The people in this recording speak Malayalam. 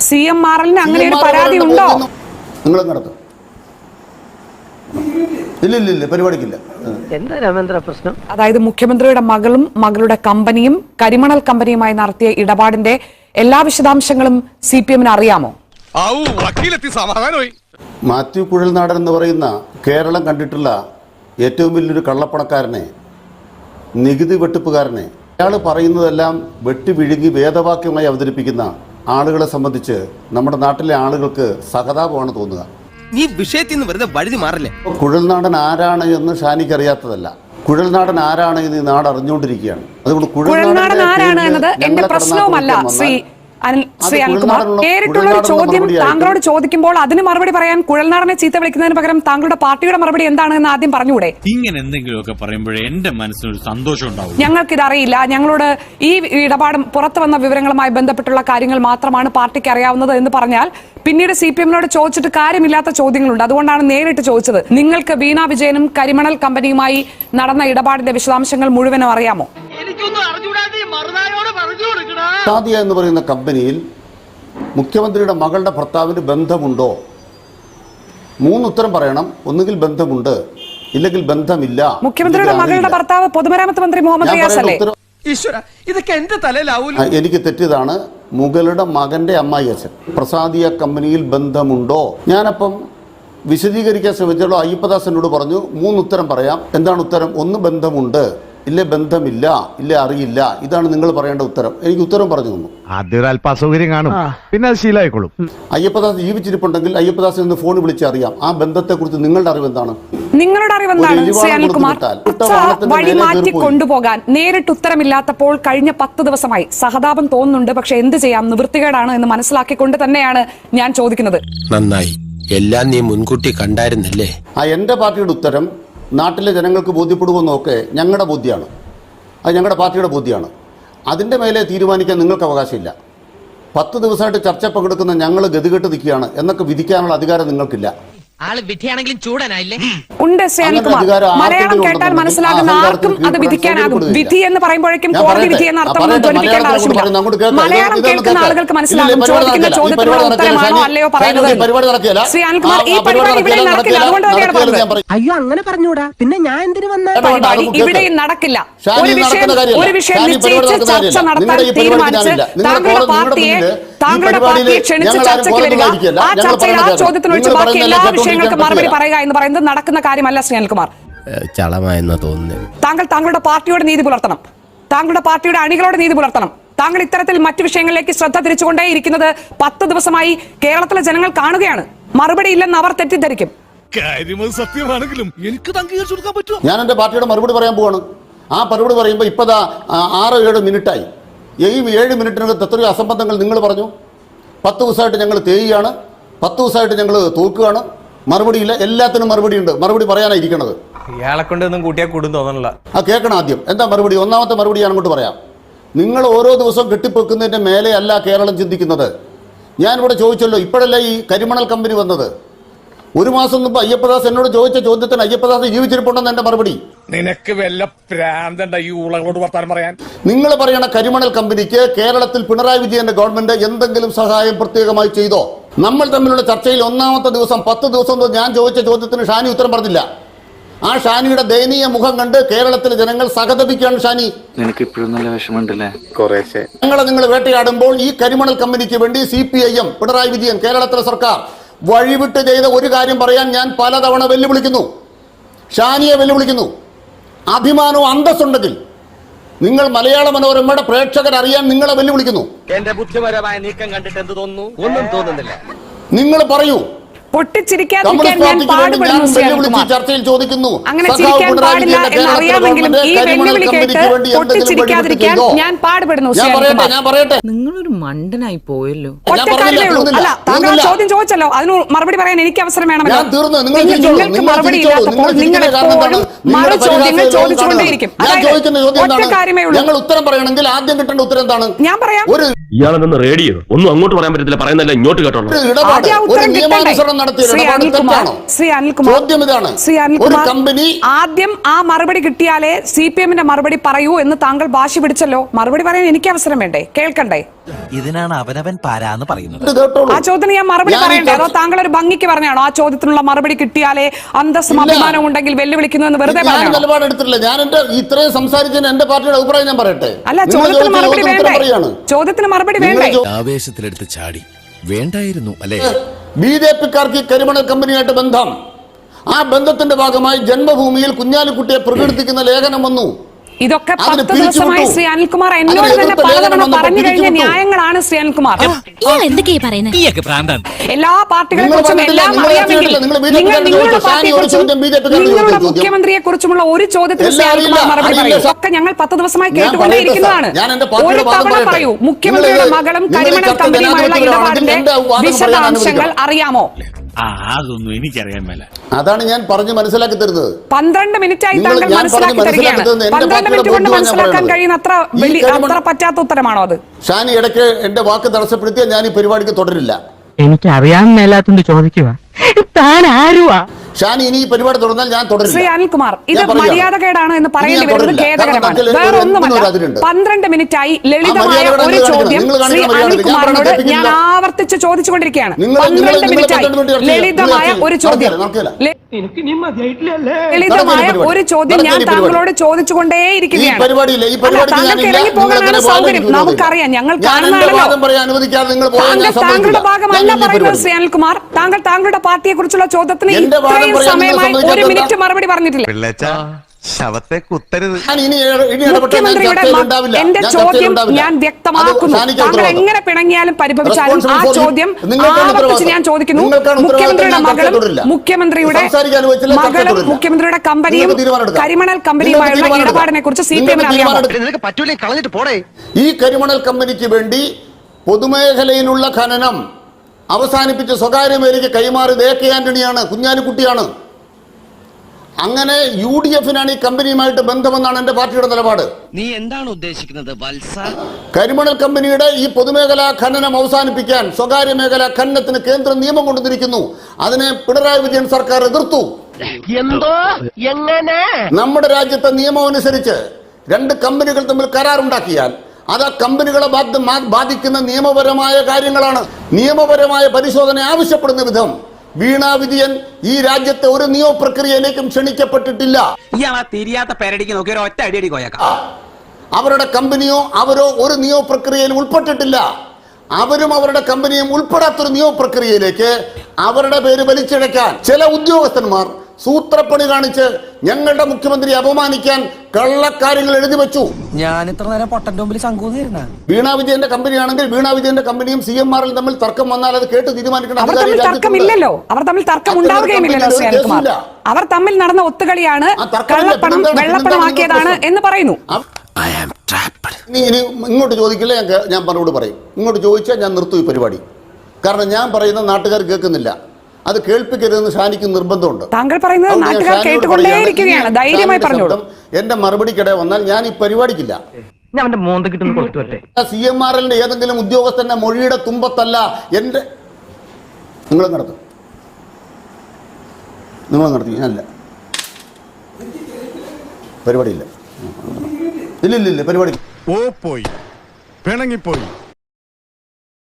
CMRL-ന് അങ്ങനെ ഒരു പരാതി ഉണ്ടോ? നിങ്ങൾ നടത്തും. ഇല്ല പരിപാടിക്കില്ല. എന്താ രാമേന്ദ്ര പ്രശ്നം? അതായത് മുഖ്യമന്ത്രിയുടെ മകളും മകളുടെ കമ്പനിയും കരിമണൽ കമ്പനിയുമായി നടത്തിയ ഇടപാടിന്റെ എല്ലാ വിശദാംശങ്ങളും CPM-ന് അറിയാമോ? മാത്യു കുഴൽനാടൻ എന്ന് പറയുന്ന കേരളം കണ്ടിട്ടുള്ള ഏറ്റവും വലിയൊരു കള്ളപ്പണക്കാരനെ, നികുതി വെട്ടിപ്പുകാരനെ, അയാൾ പറയുന്നതെല്ലാം വെട്ടി വിഴുങ്ങി വേദവാക്യമായി അവതരിപ്പിക്കുന്ന ആളുകളെ സംബന്ധിച്ച് നമ്മുടെ നാട്ടിലെ ആളുകൾക്ക് സഹതാപമാണ് തോന്നുക. നീ വിഷയത്തിൽ നിന്ന് വെറുതെ വഴുതി മാറില്ലേ? കുഴൽനാടൻ ആരാണ് എന്ന് ഷാനിക്ക് അറിയാത്തതല്ല. കുഴൽനാടൻ ആരാണ് എന്ന് ഈ നാട് അറിഞ്ഞുകൊണ്ടിരിക്കുകയാണ്. അതുകൊണ്ട് കുഴൽനാടൻ ആരാണ് എന്നത് എന്റെ പ്രശ്നവുമല്ല ശ്രീ അനിൽകുമാർ. നേരിട്ടുള്ള ഒരു ചോദ്യം താങ്കളോട് ചോദിക്കുമ്പോൾ അതിന് മറുപടി പറയാൻ കുഴൽനാടനെ ചീത്ത വിളിക്കുന്നതിന് പകരം താങ്കളുടെ പാർട്ടിയുടെ മറുപടി എന്താണെന്ന് ആദ്യം പറഞ്ഞുകൂടെ? ഇങ്ങനെ എന്തെങ്കിലുമൊക്കെ പറയുമ്പോഴേ എന്റെ മനസ്സിനൊരു സന്തോഷം ഉണ്ടാവും. ഞങ്ങൾക്കിതറിയില്ല. ഞങ്ങളോട് ഈ ഇടപാടും പുറത്തു വന്ന വിവരങ്ങളുമായി ബന്ധപ്പെട്ടുള്ള കാര്യങ്ങൾ മാത്രമാണ് പാർട്ടിക്ക് അറിയാവുന്നത് എന്ന് പറഞ്ഞാൽ പിന്നീട് CPM-നോട് ചോദിച്ചിട്ട് കാര്യമില്ലാത്ത ചോദ്യങ്ങളുണ്ട്. അതുകൊണ്ടാണ് നേരിട്ട് ചോദിച്ചത്. നിങ്ങൾക്ക് വീണ വിജയനും കരിമണൽ കമ്പനിയുമായി നടന്ന ഇടപാടിന്റെ വിശദാംശങ്ങൾ മുഴുവനും അറിയാമോ? സാദിയ എന്ന് പറയുന്ന കമ്പനിയിൽ മുഖ്യമന്ത്രിയുടെ മകളുടെ ഭർത്താവിന് ബന്ധമുണ്ടോ? 3 ഉത്തരം പറയണം. ഒന്നുകിൽ ബന്ധമുണ്ട്, ഇല്ലെങ്കിൽ ബന്ധമില്ല. മുഖ്യമന്ത്രിയുടെ മകളുടെ ഭർത്താവ് പൊതുമരാമത്ത് മന്ത്രി മുഹമ്മദ് റിയാസ് അല്ലേ? ഇതൊക്കെ എന്റെ തലയിലാവൂല. എനിക്ക് തെറ്റിയതാണ്. മുകളുടെ മകന്റെ അമ്മായി അച്ഛൻ. പ്രസാദിയ കമ്പനിയിൽ ബന്ധമുണ്ടോ? ഞാനപ്പം വിശദീകരിക്കാൻ ശ്രമിച്ചോളൂ. അയ്യപ്പദാസനോട് പറഞ്ഞു 3 ഉത്തരം പറയാം. എന്താണ് ഉത്തരം? 1 ബന്ധമുണ്ട്, ഇല്ല ബന്ധമില്ല, ഇല്ല അറിയില്ല. ഇതാണ് നിങ്ങൾ പറയേണ്ട ഉത്തരം. എനിക്ക് ഉത്തരം പറഞ്ഞു തന്നു. ആദ്യം അല്പ അസൗകര്യം കാണും, പിന്നെ അത് ശീലമായിക്കോളും. അയ്യപ്പദാസ് ജീവിച്ചിരിപ്പുണ്ടെങ്കിൽ അയ്യപ്പദാസിൽ നിന്ന് ഫോൺ വിളിച്ച് അറിയാം. ആ ബന്ധത്തെക്കുറിച്ച് നിങ്ങളുടെ അറിവ് എന്താണ്? നിങ്ങളുടെ അറിവെന്താണ് ശ്രീ അനിൽകുമാർ? വഴി മാറ്റി കൊണ്ടുപോകാൻ നേരിട്ട് ഉത്തരമില്ലാത്തപ്പോൾ കഴിഞ്ഞ 10 ദിവസമായി സഹതാപം തോന്നുന്നുണ്ട്. പക്ഷെ എന്ത് ചെയ്യാം, നിവൃത്തികേടാണ് എന്ന് മനസ്സിലാക്കിക്കൊണ്ട് തന്നെയാണ് ഞാൻ ചോദിക്കുന്നത്. നന്നായി, എല്ലാം നീ മുൻകൂട്ടി കണ്ടായിരുന്നല്ലേ? എന്റെ പാർട്ടിയുടെ ഉത്തരം നാട്ടിലെ ജനങ്ങൾക്ക് ബോധ്യപ്പെടുമെന്നൊക്കെ ഞങ്ങളുടെ ബോധ്യമാണ്. അത് ഞങ്ങളുടെ പാർട്ടിയുടെ ബോധ്യമാണ്. അതിൻ്റെ മേലെ തീരുമാനിക്കാൻ നിങ്ങൾക്ക് അവകാശമില്ല. 10 ദിവസമായിട്ട് ചർച്ച പങ്കെടുക്കുന്ന ഞങ്ങൾ ഗതികെട്ട് നിൽക്കുകയാണ് എന്നൊക്കെ വിധിക്കാനുള്ള അധികാരം നിങ്ങൾക്കില്ല. ആള് വിധിയാണെങ്കിലും ചൂടനായില്ലേ? ഉണ്ട് ശ്രീ അനിൽകുമാർ. മലയാളം കേട്ടാൽ മനസ്സിലാകുന്ന ആർക്കും അത് വിധിക്കാനാകും. വിധി എന്ന് പറയുമ്പോഴേക്കും കോടതി വിധി എന്ന അർത്ഥം ധ്വനിപ്പിക്കേണ്ട ആവശ്യമില്ല. മലയാളം കേൾക്കുന്ന ആളുകൾക്ക് മനസ്സിലാകും. ചോദിക്കുന്ന ചോദ്യത്തിനുള്ള ഉത്തരമാണോ അല്ലയോ പറയുന്നത്? ശ്രീ അനിൽകുമാർ, ഈ പരിപാടി ഇവിടെ നടക്കില്ല. അതുകൊണ്ട് തന്നെയാണ് പറഞ്ഞത്. അയ്യോ, അങ്ങനെ പറഞ്ഞൂടാ. പിന്നെ ഞാൻ എന്തിനു വന്ന പരിപാടി ഇവിടെയും നടക്കില്ല. ഒരു വിഷയം നിശ്ചയിച്ച് ചർച്ച നടത്താൻ തീരുമാനിച്ച് താങ്കളുടെ പാർട്ടിയെ ക്ഷണിച്ച് ചർച്ചയ്ക്ക് വരിക, ആ ചർച്ചയിൽ ആ ചോദ്യത്തിനൊഴിച്ച് ബാക്കി എല്ലാ വിഷയങ്ങൾക്ക് മറുപടി പറയുക എന്ന് പറയുന്നത് നടക്കുന്ന കാര്യമല്ല ശ്രീ അനിൽകുമാർ. താങ്കൾ താങ്കളുടെ പാർട്ടിയോട് നീതി പുലർത്തണം. താങ്കളുടെ പാർട്ടിയുടെ അണികളോട് നീതി പുലർത്തണം. താങ്കൾ ഇത്തരത്തിൽ മറ്റു വിഷയങ്ങളിലേക്ക് ശ്രദ്ധ തിരിച്ചുകൊണ്ടേയിരിക്കുന്നത് 10 ദിവസമായി കേരളത്തിലെ ജനങ്ങൾ കാണുകയാണ്. മറുപടി ഇല്ലെന്ന് അവർ തെറ്റിദ്ധരിക്കും. സത്യമാണെങ്കിലും എനിക്ക് അംഗീകരിച്ചു പറ്റുമോ? ഞാൻ എന്റെ പാർട്ടിയുടെ മറുപടി പറയാൻ പോവാണ്. ആ മറുപടി പറയുമ്പോൾ ഇപ്പതാ 6-7 മിനിറ്റായി. ഈ 7 മിനിറ്റിനകത്ത് എത്രയോ അസംബന്ധങ്ങൾ നിങ്ങൾ പറഞ്ഞു. 10 ദിവസമായിട്ട് ഞങ്ങൾ തേയുകയാണ്, 10 ദിവസമായിട്ട് ഞങ്ങൾ തോക്കുകയാണ്. മറുപടിയില്ല. എല്ലാത്തിനും മറുപടിയുണ്ട്. മറുപടി പറയാനായിരിക്കണത്. ഇയാളെ കൊണ്ട് ഒന്നും കൂട്ടിയാൽ കൂടും തോന്നണില്ല. കേൾക്കണം ആദ്യം. എന്താ മറുപടി? ഒന്നാമത്തെ മറുപടി ഞാൻ അങ്ങോട്ട് പറയാം. നിങ്ങൾ ഓരോ ദിവസവും കെട്ടിപ്പൊക്കുന്നതിൻ്റെ മേലെ അല്ല കേരളം ചിന്തിക്കുന്നത്. ഞാനിവിടെ ചോദിച്ചല്ലോ, ഇപ്പോഴല്ലേ ഈ കരിമണൽ കമ്പനി വന്നത്? 1 മാസം മുമ്പ് അയ്യപ്പദാസ് എന്നോട് ചോദിച്ച ചോദ്യത്തിന് അയ്യപ്പദാസ് ജീവിച്ചിരിപ്പുണ്ടെന്ന് എന്റെ മറുപടി. നിനക്ക് വല്ല പ്രാന്തണ്ട ഈ ഊളകളോട് വർത്താനം പറയാൻ? നിങ്ങൾ പറയണ കരിമണൽ കമ്പനിക്ക് കേരളത്തിൽ പിണറായി വിജയന്റെ ഗവൺമെന്റ് എന്തെങ്കിലും സഹായം പ്രത്യേകമായി ചെയ്തോ? നമ്മൾ തമ്മിലുള്ള ചർച്ചയിൽ 1-ാമത്തെ ദിവസം 10 ദിവസം ഞാൻ ചോദിച്ച ചോദ്യത്തിന് ഷാനി ഉത്തരം പറഞ്ഞില്ല. ആ ഷാനിയുടെ ദയനീയ മുഖം കണ്ട് കേരളത്തിലെ ജനങ്ങൾ സഹതപിക്കുകയാണ്. ഷാനി, നിനക്ക് ഇപ്പോഴും നല്ല വിഷമമുണ്ടല്ലേ? കുറേശ്ശെ. നിങ്ങൾ വേട്ടയാടുമ്പോൾ ഈ കരിമണൽ കമ്പനിക്ക് വേണ്ടി CPIM, പിണറായി വിജയൻ, കേരളത്തിലെ സർക്കാർ വഴിവിട്ട് ചെയ്ത ഒരു കാര്യം പറയാൻ ഞാൻ പലതവണ വെല്ലുവിളിക്കുന്നു. ഷാനിയെ വെല്ലുവിളിക്കുന്നു. അഭിമാനവും അന്തസ്സുണ്ടെങ്കിൽ നിങ്ങൾ മലയാള മനോരമയുടെ പ്രേക്ഷകർ അറിയാൻ നിങ്ങളെ വെല്ലുവിളിക്കുന്നു. എന്റെ ബുദ്ധിപരമായ നീക്കം കണ്ടിട്ട് എന്ത് തോന്നുന്നു? ഒന്നും തോന്നുന്നില്ല. നിങ്ങൾ പറയൂ. പൊട്ടിച്ചിരിക്കാതിരിക്കാൻ ഞാൻ പാടുപെടുന്നു ശ്രീ അനിൽകുമാർ. ചർച്ചയിൽ ചോദിക്കുന്നു, അങ്ങനെ ചിരിക്കാൻ പാടില്ല എന്നറിയാമെങ്കിലും ഈ വെല്ലുവിളി കേട്ട് പൊട്ടിച്ചിരിക്കാതിരിക്കാൻ ഞാൻ പാടുപെടുന്നു ശ്രീ അനിൽകുമാർ. നിങ്ങളൊരു മണ്ടനായി പോയല്ലോ. അല്ല, താങ്കൾ ചോദ്യം ചോദിച്ചല്ലോ, അതിന് മറുപടി പറയാൻ എനിക്ക് അവസരം വേണമല്ലോ. നിങ്ങൾക്ക് മറുപടി ഇല്ലാത്തപ്പോൾ നിങ്ങൾ എപ്പോഴും മറു ചോദ്യങ്ങൾ ചോദിച്ചുകൊണ്ടേയിരിക്കും. ഞങ്ങൾ ഉത്തരം പറയണമെങ്കിൽ ആദ്യം കിട്ടേണ്ട ഉത്തരം എന്താണ്? ഞാൻ പറയാം. ഇയാളെന്ന് റേഡിയോ ഒന്നും അങ്ങോട്ട് പറയാൻ പറ്റത്തില്ല, പറയുന്നല്ല ഇങ്ങോട്ട് കേട്ടോളൂ. ഒരു ഇടപാട്, ആദ്യം ഒരു ഉത്തരം നിയമാനുസരണം നടത്തിയ ശ്രീ ഇടപാട് അനിൽകുമാർ, തെറ്റാണോ? ശ്രീ അനിൽകുമാർ, ചോദ്യം ഇതാണ്. ശ്രീ ഒരു അനിൽകുമാർ, കമ്പനി ആദ്യം ആ മറുപടി കിട്ടിയാലേ CPM-ന്റെ മറുപടി പറയൂ എന്ന് താങ്കൾ വാശി പിടിച്ചല്ലോ. മറുപടി പറയാൻ എനിക്ക് അവസരം വേണ്ടേ, കേൾക്കണ്ടേ? ഇതിനാണ് അവനവൻ പാരാന്ന് പറയുന്നത്. ഇത് കേട്ടോളൂ. ആ ചോദ്യത്തിന് ഞാൻ മറുപടി പറയണ്ടേ, അതോ താങ്കൾ ഒരു ഭംഗിക്ക് പറഞ്ഞാണോ ആ ചോദ്യത്തിനുള്ള മറുപടി കിട്ടിയാലേ അന്തസ്സും അഭിമാനവും ഉണ്ടെങ്കിൽ വെല്ലുവിളിക്കുന്നു എന്ന് വെറുതെ ഞാൻ പറഞ്ഞാണോ? നിലപാടെടുത്തിട്ടില്ല. ഞാൻ എന്റെ ഇത്രയും സംസാരിച്ചതിന് എന്റെ പാർട്ടിയുടെ അഭിപ്രായം ഞാൻ പറയട്ടെ. അല്ല, നിങ്ങൾ ചോദ്യത്തിന് ചോദിച്ച മറുപടി ചോദ്യത്തിന് ഉത്തരം വേണ്ടേ? പറയാണ്. ചോദ്യത്തിന് മറുപടി നിങ്ങൾ വേണ്ടേ? ആവേശത്തിലെടുത്ത് ചാടി വേണ്ടായിരുന്നു അല്ലേ? BJP-ക്കാർക്ക് ഈ കരിമണൽ കമ്പനിയായിട്ട് ബന്ധം, ആ ബന്ധത്തിന്റെ ഭാഗമായി ജന്മഭൂമിയിൽ കുഞ്ഞാലിക്കുട്ടിയെ പ്രകീർത്തിക്കുന്ന ലേഖനം വന്നു. ഇതൊക്കെ അതിന് 10 ദിവസമായി പിരിച്ചുവിട്ടു. ശ്രീ അനിൽകുമാർ എന്നോട് അതിന് തന്നെ എതിർത്ത പലതവണ ലേഖനം വന്നപ്പോൾ പറഞ്ഞു കഴിഞ്ഞ പിരിച്ചുവിട്ടു. ന്യായങ്ങളാണ് ശ്രീ അനിൽകുമാർ. എന്തൊക്കെയാ പറയുന്നത്? എല്ലാ പാർട്ടികളെ നിങ്ങൾ കുറിച്ചും പറഞ്ഞിട്ടില്ല, എല്ലാം നിങ്ങൾ അറിയാമെങ്കിൽ ചോദിച്ചില്ല, നിങ്ങൾ BJP നിങ്ങൾ കാരോട് നിങ്ങളുടെ ചോദിച്ചു. പാർട്ടിയെ ഷാനി ഒരു കുറിച്ചും ചോദ്യം BJP കാരോട് നിങ്ങളുടെ ചോദിച്ചു. മുഖ്യമന്ത്രിയെ കുറിച്ചുമുള്ള ഒരു ചോദ്യത്തിന് ശ്രീ എല്ലാം അനിൽകുമാർ അറിയില്ല, മറുപടി അറിയില്ല. പറയൂ. ഒക്കെ ഞങ്ങൾ 10 ദിവസമായി ഞാൻ കേട്ടുകൊണ്ടേയിരിക്കുന്നതാണ്. ഞാൻ എന്റെ പാർട്ടിയുടെ ഒരു വാദം തവണ പറയട്ടെ. പറയൂ, മുഖ്യമന്ത്രിയുടെ നിങ്ങൾ മകളും നിങ്ങൾ കരിമണൽ ചർച്ച കമ്പനിയുമായുള്ള ജനാധിപത്യത്തിലാണെങ്കിൽ ഇടപാടിന്റെ എന്റെ വാദം പറയാൻ വിശദാംശങ്ങൾ അനുവദിക്കണം. അറിയാമോ? അതൊന്നും എനിക്കറിയാൻ മേല. അതാണ് ഞാൻ പറഞ്ഞു മനസ്സിലാക്കി തരുന്നത്. 12 മിനിറ്റായി നിങ്ങൾ താങ്കൾ ഞാൻ മനസ്സിലാക്കി പറഞ്ഞ് തരികയാണ്. മനസ്സിലാക്കി തരുന്നത് 12 മിനിറ്റ് കൊണ്ട് എന്റെ മനസ്സിലാക്കാൻ പാർട്ടിയുടെ കഴിയുന്ന അത്ര അത്ര പറ്റാത്ത ഉത്തരമാണോ അത്? ഷാനി ഇടയ്ക്ക് എന്റെ വാക്ക് തടസ്സപ്പെടുത്തിയാൽ ഞാൻ ഈ പരിപാടിക്ക് തുടരില്ല. എനിക്ക് അറിയാൻ മേലാത്തോണ്ട് ചോദിക്കുക, താൻ ആരുവാ? ഷാനി ഇനി ഈ പരിപാടി തുടർന്നാൽ ഞാൻ തുടരില്ല. ശ്രീ അനിൽകുമാർ, ഇത് ഞാൻ പറയുകയാണ്. മര്യാദകേടാണ് എന്ന് പറയേണ്ടി ഇനി ഞാൻ വരുന്നത് തുടരില്ല. ഖേദകരമാണ്. കാരണം വേറെ ഒന്നുമല്ല, അതിലുണ്ട്. 12 മിനിറ്റായി ലളിതമായ മര്യാദ ഒരു ചോദ്യം നിങ്ങൾ കാണിക്കണം, ശ്രീ മര്യാദ. അനിൽകുമാറിനോട് ഞാൻ ഞാൻ ആവർത്തിച്ച് ചോദിച്ചുകൊണ്ടിരിക്കുകയാണ്. നിങ്ങൾ 12 മിനിറ്റായി 12 മിനിറ്റ് ലളിതമായ ഒരു ചോദ്യം, നടക്കില്ല. ലളിതമായ ഒരു ചോദ്യം ഞാൻ താങ്കളോട് ചോദിച്ചുകൊണ്ടേയിരിക്കുകയാണ്. ഈ പരിപാടിയില്ല, ഈ പരിപാടിക്ക് താങ്കൾക്ക് ഞാനില്ല. ഇറങ്ങി പോകാനാണ് നിങ്ങൾ സൗകര്യം. എന്നെ നമുക്കറിയാം, ഞങ്ങൾ ഞാൻ എന്റെ കാണുന്നതാണല്ലോ. വാദം പറയാൻ അനുവദിക്കാതെ നിങ്ങൾ പോയാൽ ഞാൻ താങ്കളുടെ സമ്മതിക്കില്ല. ഭാഗമല്ല ഞാൻ ഈ പറയുന്നത് പരിപാടി. ശ്രീ അനിൽകുമാർ. താങ്കൾ താങ്കളുടെ പാർട്ടിയെ കുറിച്ചുള്ള ചോദ്യത്തിന് എന്റെ വാദം ഇത്രയും പറയാൻ നിങ്ങൾ സമയമായി ഒരു സമ്മതിക്കാത്ത മിനിറ്റ് മറുപടി പറഞ്ഞിട്ടില്ല. ശവത്തെ കുത്തരുത്. ഞാൻ ഇനി ഇടപെട്ടാൽ ഞാൻ മുഖ്യമന്ത്രിയുടെ ചർച്ചയിൽ ഉണ്ടാവില്ല. എന്റെ ഞാൻ ചോദ്യം ചർച്ചയിൽ ഉണ്ടാവില്ല. ഞാൻ വ്യക്തമാക്കുന്നു. അത് ഷാനിക്ക് താങ്കൾ ഉത്തരവാദിത്വം. എങ്ങനെ പിണങ്ങിയാലും പരിഭവിച്ചാലും ആ Responsible for ചോദ്യം നിങ്ങൾക്കാണ് ആവർത്തിച്ച് ഉത്തരവാദിത്വം. ഞാൻ ചോദിക്കുന്നു. നിങ്ങൾക്കാണ് മുഖ്യമന്ത്രിയുടെ ഉത്തരവാദിത്വം. ഞാൻ മകളും തുടരില്ല. മുഖ്യമന്ത്രിയുടെ സംസാരിക്കാൻ അനുവദിച്ചില്ല, ചർച്ച മകളും തുടരില്ല. മുഖ്യമന്ത്രിയുടെ കമ്പനിയും നിങ്ങൾക്ക് തീരുമാനമെടുക്കാം. കരിമണൽ കമ്പനിയുമായുള്ള നിങ്ങൾക്ക് തീരുമാനമെടുക്കാം. ഇടപാടിനെ കുറിച്ച് CPM നിങ്ങൾക്ക് അറിയാമോ? തീരുമാനമെടുക്കാം. നിനക്ക് പറ്റൂലേ കളഞ്ഞിട്ട് പോടേ. ഈ കരിമണൽ കമ്പനിക്ക് വേണ്ടി പൊതുമേഖലയിലുള്ള ഖനനം അവസാനിപ്പിച്ച് സ്വകാര്യ മേഖലയ്ക്ക് കൈമാറിയത് AK ആന്റണിയാണ്, കുഞ്ഞാലിക്കുട്ടിയാണ്. അങ്ങനെ UDF-നാണ് ഈ കമ്പനിയുമായിട്ട് ബന്ധമെന്നാണ് എന്റെ പാർട്ടിയുടെ നിലപാട്. നീ എന്താണ് ഉദ്ദേശിക്കുന്നത് വത്സ? കരിമണൽ കമ്പനിയുടെ ഈ പൊതുമേഖലാ ഖനനം അവസാനിപ്പിക്കാൻ സ്വകാര്യ മേഖലാ ഖനനത്തിന് കേന്ദ്രം നിയമം കൊണ്ടുവന്നിരിക്കുന്നു. അതിനെ പിണറായി വിജയൻ സർക്കാർ എതിർത്തു. എന്തോ എങ്ങനെ? നമ്മുടെ രാജ്യത്തെ നിയമം അനുസരിച്ച് 2 കമ്പനികൾ തമ്മിൽ കരാറുണ്ടാക്കിയാൽ അത് ആ കമ്പനികളെ ബാധിക്കുന്ന നിയമപരമായ കാര്യങ്ങളാണ്. നിയമപരമായ പരിശോധന ആവശ്യപ്പെടുന്ന വിധം വീണ വിജയൻ ഈ രാജ്യത്തെ ഒരു നിയമപ്രക്രിയയിലേക്കും ക്ഷണിക്കപ്പെട്ടിട്ടില്ല. ഇയാളാ തിരിയാത്ത പേരടിക്ക് നോക്കി ഒരു ഒറ്റ അടിയടി കോയക്ക. അവരുടെ കമ്പനിയോ അവരോ ഒരു നിയമപ്രക്രിയയിൽ ഉൾപ്പെട്ടിട്ടില്ല. അവരും അവരുടെ കമ്പനിയും ഉൾപ്പെടാത്തൊരു നിയമപ്രക്രിയയിലേക്ക് അവരുടെ പേര് വലിച്ചിഴക്കാൻ ചില ഉദ്യോഗസ്ഥന്മാർ സൂത്രപ്പണി കാണിച്ച് ഞങ്ങളുടെ മുഖ്യമന്ത്രിയെ അപമാനിക്കാൻ കള്ളക്കാര്യങ്ങൾ എഴുതി വെച്ചു. ഞാൻ ഇത്ര നേരം പൊട്ടന്റെ മുമ്പിൽ ശങ്കൂന്നിരുന്ന വീണ വിജയന്റെ കമ്പനിയാണെങ്കിൽ വീണ വിജയന്റെ കമ്പനിയും CMR-ൽ തമ്മിൽ തർക്കം വന്നാൽ അത് കേട്ട് തീരുമാനിക്കണം. അവർ തമ്മിൽ തർക്കമില്ലല്ലോ. അവർ തമ്മിൽ തർക്കം ഉണ്ടാവുകയുമില്ലല്ലോ ശ്രീ അനിൽകുമാർ. അവർ തമ്മിൽ നടന്ന ഒത്തുകളിയാണ്, കള്ളപ്പണം വെള്ളപ്പണമാക്കിയതാണ് എന്ന് പറയുന്നു. ഇനി ഇങ്ങോട്ട് ചോദിക്കില്ല, ഞാൻ മറുപടി പറയും. ഇങ്ങോട്ട് ചോദിച്ചാൽ ഞാൻ നിർത്തും ഈ പരിപാടി. കാരണം ഞാൻ പറയുന്ന നാട്ടുകാർ കേൾക്കുന്നില്ല. അത് കേൾപ്പിക്കരുതെന്ന് ഷാനിക്ക് നിർബന്ധമുണ്ട്. താങ്കൾ പറയുന്നത് നാട്ടുകാർ കേട്ടുകൊണ്ടേയിരിക്കുകയാണ്. ധൈര്യമായി പറഞ്ഞോളൂ. എന്റെ മറുപടിക്കിടെ വന്നാൽ ഞാൻ ഈ പരിപാടിക്കില്ല. ഞാൻ അവന്റെ മോന്ത കിട്ടുന്ന കൊടുത്തു വരട്ടെ. CMR-ന്റെ ഏതെങ്കിലും ഉദ്യോഗസ്ഥന്റെ മൊഴിയുടെ തുമ്പത്തല്ല എന്റെ. നിങ്ങൾ നടത്തും, നിങ്ങൾ നടത്തി, ഞാനല്ല. പരിപാടിയില്ല, ഇല്ല പരിപാടി പോയി പിണങ്ങിപ്പോയി.